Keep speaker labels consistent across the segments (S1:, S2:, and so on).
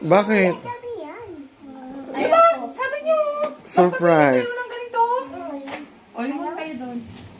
S1: Bakit?
S2: Diba? Sabi niyo.
S1: Surprise.
S2: Ng ganito. O, limon kayo doon.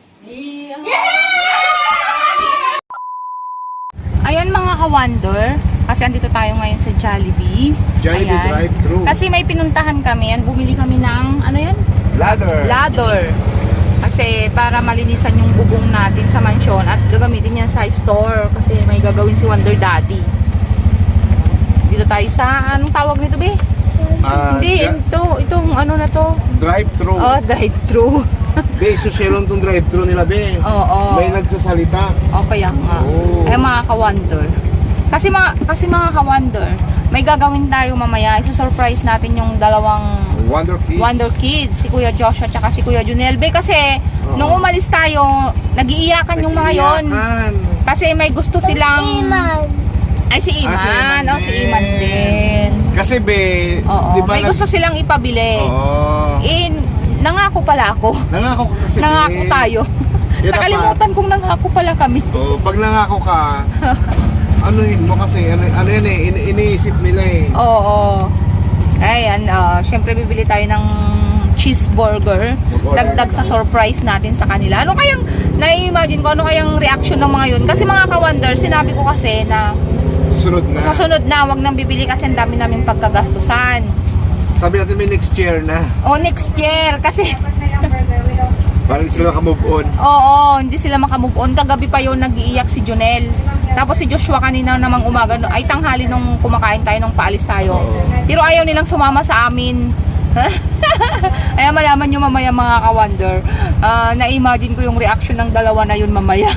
S2: Ayan mga ka-wonder. Kasi andito tayo ngayon sa Jollibee.
S1: Jollibee
S2: Ayan.
S1: drive-thru.
S2: Kasi may pinuntahan kami. Yan, bumili kami ng, ano yun? Ladder. Kasi para malinisan yung bubong natin sa mansyon at gagamitin yan sa store. Kasi may gagawin si Wonder Daddy. Dito tayo sa, anong tawag nito, be? Hindi, itong ano na to.
S1: Drive-thru.
S2: Oh, drive-thru.
S1: Be, suselon tong drive-thru nila, be.
S2: Oo.
S1: May nagsasalita.
S2: O kaya nga.
S1: Oh.
S2: Ay mga ka-wonder. Kasi mga ka-wonder, may gagawin tayo mamaya. Isa-surprise natin yung dalawang
S1: Wonder Kids.
S2: si Kuya Joshua at si Kuya Junelbe. Kasi nung umalis tayo, nag-iiyakan yung mga yon. Kasi may gusto silang... Ay, si Iman.
S1: si Iman
S2: Si
S1: din.
S2: Iman din.
S1: Kasi, be,
S2: Oo.
S1: di ba
S2: May gusto silang ipabili.
S1: Oo.
S2: Nangako pala ako.
S1: Nangako ka kasi,
S2: Nangako
S1: be.
S2: tayo.
S1: Yan
S2: Nakalimutan kong nangako pala kami.
S1: Oh, pag nangako ka, anuhin mo kasi, ano yan eh, iniisip nila eh.
S2: Oo. Ayan, syempre bibili tayo ng cheeseburger. Dagdag sa surprise natin sa kanila. Ano kayang, nai-imagine ko, ano kayang reaction ng mga yun? Kasi mga ka-wonder, sinabi ko kasi na
S1: Sunod na.
S2: sa sunod na, wag nang bibili kasi ang dami naming pagkagastusan.
S1: Sabi natin may next year na.
S2: O next year, kasi
S1: Para hindi sila maka-move on.
S2: oo, hindi sila makamove on. Kagabi pa yun, nag-iiyak si Jonel. Tapos si Joshua kanina namang umaga, ay tanghali nung kumakain tayo, nung paalis tayo. Pero ayaw nilang sumama sa amin. Kaya malaman nyo mamaya mga ka-wonder. Na-imagine ko yung reaction ng dalawa na yun mamaya.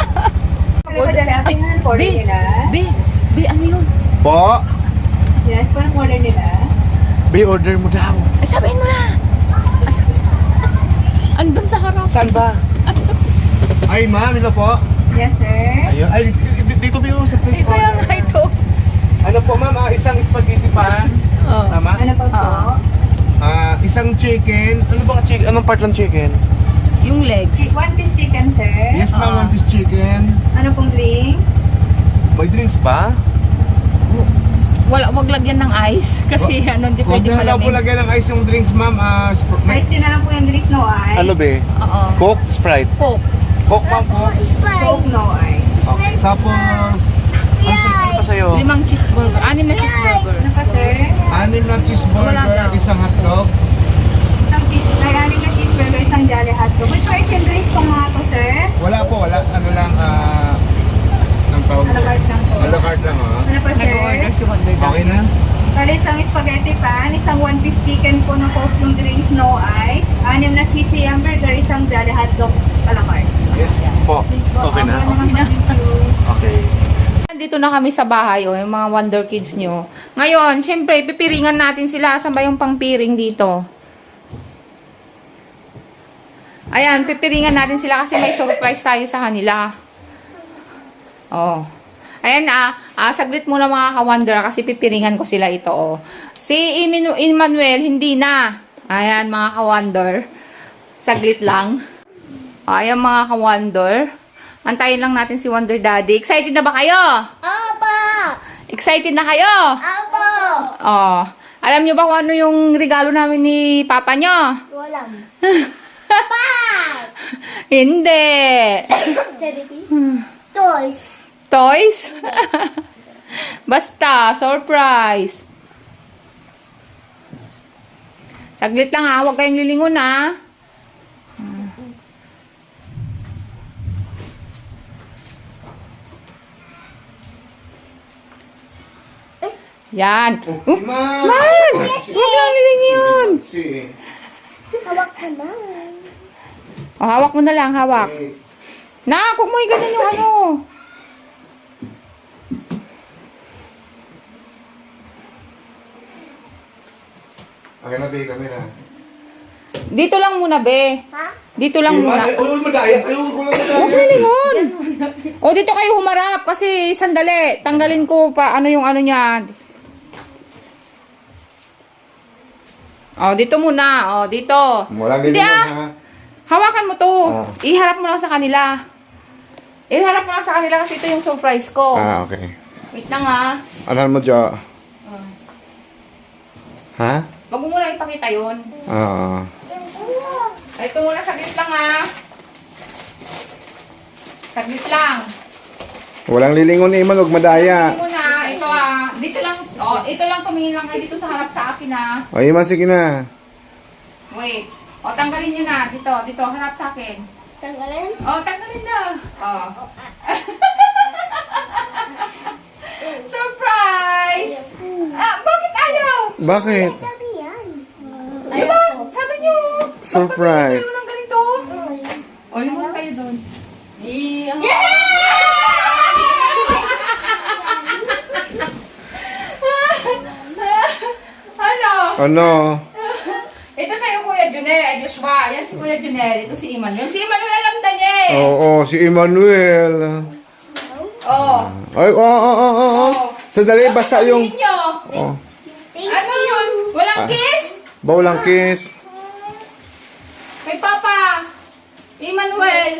S2: Be, ano yun?
S1: Po?
S3: Yes, parang order nila.
S1: Be, order mo daw.
S2: Ay, sabihin mo na! Andun sa harap.
S1: Saan ba? Ay, ma'am, ito po.
S3: Yes, sir.
S1: Ayun. Ay, dito ba yung sa place
S2: Kaya nga ito.
S1: Ano po, ma'am? Isang spaghetti pan.
S2: Oh.
S1: Tama?
S3: Ano pa po?
S1: Isang chicken. Ano ba chicken? Anong part ng chicken?
S2: Yung legs.
S3: One piece chicken, sir.
S1: Yes, ma'am. One piece chicken.
S3: Ano pong drink?
S1: May drinks ba?
S2: Wag lagyan ng ice. Kasi ano, hindi
S1: Huwag
S2: pwede
S1: na lang po
S2: malamig.
S1: lagyan ng ice yung drinks, ma'am.
S3: Ice tea na lang po yung drink, no ice.
S1: Ano be?
S2: Oo.
S1: Coke, Sprite.
S2: Coke.
S1: Coke, ma'am. Coke.
S3: Coke, no ice.
S1: Okay, tapos... Ano pa sa'yo?
S2: 5 cheeseburger. 6 na cheeseburger.
S3: Ano pa, sir?
S1: 6 na cheeseburger,
S2: Wala daw.
S1: isang hotdog.
S3: May aning na cheeseburger, isang jolly hotdog. May ice and drinks po mga to, sir.
S1: Wala po, wala. Ano lang, ang tawag
S3: A la carte lang po.
S1: A la carte lang, ha?
S3: Ano pa, sir?
S2: Nag-order si Wonder Daddy.
S1: Okay na?
S3: Sorry, isang spaghetti pan, isang one piece chicken po na Coke yung drinks, no ice. 6 na cheesy hamburger, isang jolly hotdog, a la carte.
S1: Yes po. Okay na? Okay.
S2: Nandito na kami sa bahay, yung mga Wonder Kids nyo. Ngayon, syempre, pipiringan natin sila. Saan ba yung pangpiring dito? Ayan, pipiringan natin sila kasi may surprise tayo sa kanila. Oh. Ayan saglit muna mga ka-wonder kasi pipiringan ko sila ito, oh. Si Emmanuel, hindi na. Ayan, mga ka-wonder. Saglit lang. Ayan, mga ka-wonder. Antayin lang natin si Wonder Daddy. Excited na ba kayo?
S4: Opo!
S2: Excited na kayo?
S4: Opo!
S2: Oh. Alam nyo ba kung ano yung regalo namin ni Papa nyo?
S4: Walang.
S2: Hindi.
S4: Toys.
S2: Toys? Basta, surprise. Saglit lang ha, huwag kayong lilingon ha. Yan.
S1: Ma'am!
S2: Man! Huwag kang lilingon.
S4: Hawak ka na.
S2: O, hawak mo na lang, hawak. Nak, huwag mo ganun yung ano.
S1: Okay na, be, camera.
S2: Dito lang muna, be.
S4: Ha?
S2: Dito lang muna.
S1: Huwag madaya. Huwag madaya.
S2: Huwag lilingon. O, dito kayo humarap. Kasi, sandali. Tanggalin ko pa ano yung ano niya. O, dito muna. O, dito.
S1: Walang
S2: Hindi
S1: lilingon, ha?
S2: Hawakan mo to.
S1: Ah.
S2: Iharap mo lang sa kanila. Iharap mo lang sa kanila kasi ito yung surprise ko.
S1: Okay.
S2: Wait lang ha.
S1: Ano mo, Jo? Ha?
S2: Wag mo muna ipakita yun.
S1: Oo.
S2: Ay, ito muna, saglit lang ah. Saglit lang.
S1: Walang lilingon ni Iman, huwag madaya.
S2: Ito muna, ito ah. Dito lang, ito lang, tumingin lang kayo dito sa harap sa akin ah.
S1: O, Iman, sige na.
S2: Wait. Tanggalin nyo na. Dito, harap sa akin.
S4: Tanggalin?
S2: Tanggalin na. Surprise! Bakit ayaw?
S1: Bakit?
S4: Sabi yan.
S2: Diba? Sabi nyo.
S1: Surprise.
S2: Magpapagawa kayo ng ganito. Limon kayo doon. Ano?
S1: Ano?
S2: Ito sa'yo, Kuya Junel. Ay, Joshua. Yan si Kuya Junel. Ito si Emmanuel. Si Emmanuel alam Daniel.
S1: Oo, si Emmanuel.
S2: Oh.
S1: Ay, oo. Sandali, basta yung...
S2: Sabihin nyo.
S1: Oh.
S2: Ano yun? Walang kiss?
S1: Bawal ang kiss.
S2: Kay Papa. Emmanuel.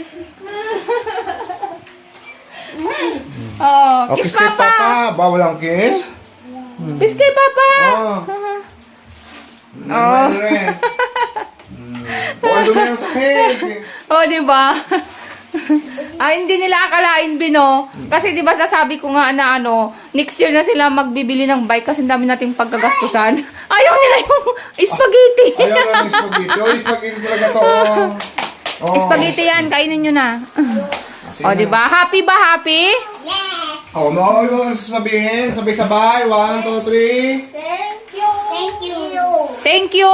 S1: O,
S2: Kiss
S1: kiss kay
S2: Papa.
S1: Papa. Bawal ang kiss.
S2: Kiss kay Papa.
S1: Oo. Emmanuel. Bawal dumi ang sakit.
S2: Di ba? Hindi nila akalain, Bino. Kasi di ba nasabi ko nga na next year na sila magbibili ng bike kasi ang dami nating pagkagastusan. Ayaw nila yung spaghetti.
S1: Ayaw na ng spaghetti. O, spaghetti talaga to. Oh.
S2: Spaghetti yan, kainin nyo na.
S1: Sige
S2: Di ba? Happy ba? Happy?
S4: Yes!
S1: Oh, mo sabihin. Sabay-sabay. 1, 2, 3.
S4: Thank you! Thank you!
S2: Thank you.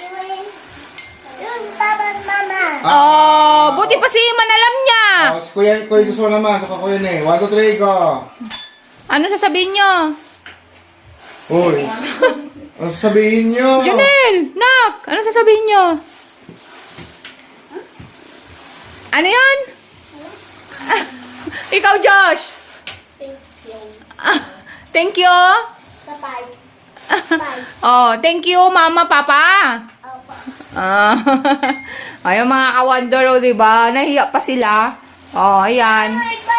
S4: Yun, Papa and Mama!
S2: Buti pa si Iman alam niya.
S1: Si Kuya Gusto naman. Saka Kuya Ne. 1, 2, 3, go.
S2: Ano sasabihin nyo?
S1: Uy. Ano sabihin nyo?
S2: Junel! Nak! Ano sasabihin nyo? Ano yan? Ikaw, Josh!
S4: Thank you!
S2: Thank you!
S4: Bye-bye! Bye!
S2: Thank you, Mama, Papa! Ayun, mga ka-wonder, diba? Nahiya pa sila. Ayan.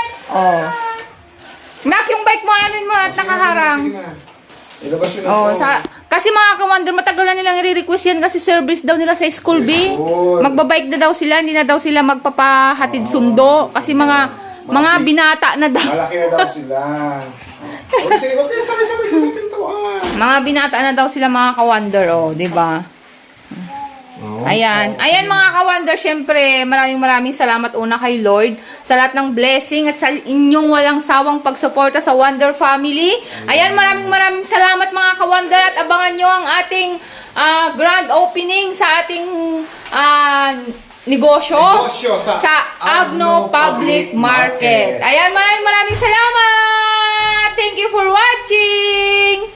S2: Nak, yung bike mo, ano mo at nakaharang.
S1: Sige na. Ilabas yun na to.
S2: Kasi mga ka-wonder, matagal na nilang i-request yan kasi service daw nila sa school, B.
S1: School.
S2: Magbabike na daw sila, hindi na daw sila magpapahatid sundo. Kasi mga binata na daw.
S1: Malaki na daw sila. Okay, sige. Okay, sabay-sabay ka sa pintuan.
S2: Mga binata na daw sila mga ka-wonder, di ba? Ayan. Ayan mga ka-wonder, syempre, maraming salamat una kay Lord sa lahat ng blessing at sa inyong walang sawang pagsuporta sa Wonder Family. Ayan, maraming salamat mga ka-wonder at abangan nyo ang ating grand opening sa ating negosyo sa Agno Public Market. Ayan, maraming salamat! Thank you for watching!